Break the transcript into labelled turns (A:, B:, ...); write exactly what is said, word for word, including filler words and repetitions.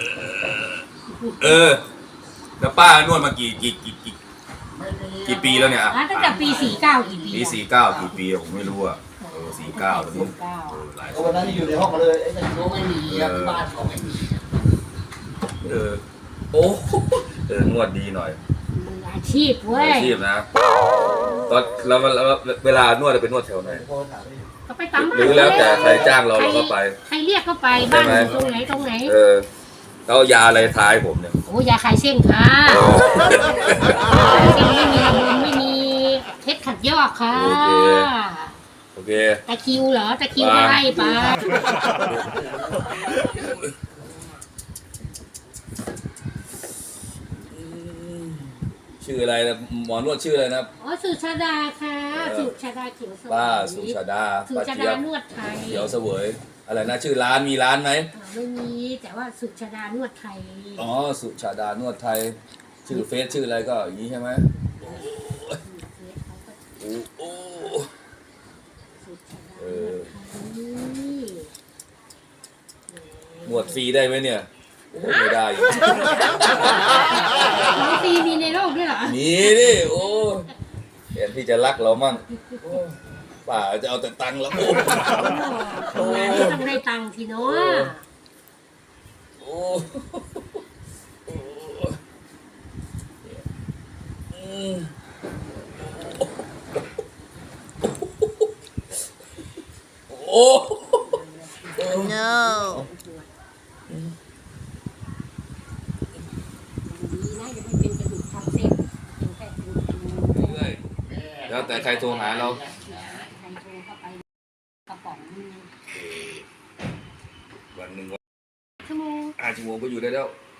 A: เออแล้วป้านวดมากี่กี่กี่กี่กี่ปีแล้วเนี่ย
B: ตั้งแต่ปีสี่เก้ากี่ปี
A: ปีสี่เก้ากี่ปีผมไม่รู้อ่ะเออสี่เก้าแล้วนี่หลาย
C: วันนั้นอยู่ในห้องเลยไอ้นั่นก็ไม่มีที่บ้านเขาไม่มี
A: เออโอ้เออนวดดีหน่อย
B: อาชีพเว้ย
A: อาชีพนะตอนเราเวลานวดจะเป็นนวดแถวไหน
B: ก็ไปตามบ้าน
A: หรือแล้วแต่ใครจ้างเราเราก็ไป
B: ใครเรียกก็ไปบ้านอยู่ตรงไหนตรงไหน
A: เออเขายาอะไรท้ายผมเนี่ย
B: โอ้ยาคลายเส้นค่ะเส้นไม่มีระบมไม่มีเพชรขัดยอกค่ะ
A: โอเคโอเค
B: ตะคิวเหรอตะคิวก็ไล่ไป
A: ชื่ออะไรนะหมอนวดชื่ออะไรนะ
B: อ๋อสุชาดาค่ะสุชาดาเขียวเสวย
A: ป้าสุชาดา
B: สุชาดานวดไทย
A: เขียวเสวยอะไรนะชื่อร้านมีร้านไหม
B: ไม่มีแต่ว่าสุชาดานวดไทย
A: อ๋อสุชาดานวดไทยชื่อเฟซชื่ออะไรก็อย่างนี้ใช่ไหมโอ้โหเออนวดฟรีได้ไหมเนี่ยไม่ได้
B: ของฟรีมีในโลกด้วยเหรอ
A: มีดิโอ้เห็นที่จะรักเรามั่งป่าจะเอาแต่ตังค์แล้ว
B: โอ้ต้องได้ตังค์ทีเนาะ
A: โอ้โอ้
D: no
A: แล้วแต่ใครโทรหาเราวันหนึ่งวัน
B: ชั่วโมง
A: ห้าชั่วโมงก็อยู่ได้แล้ว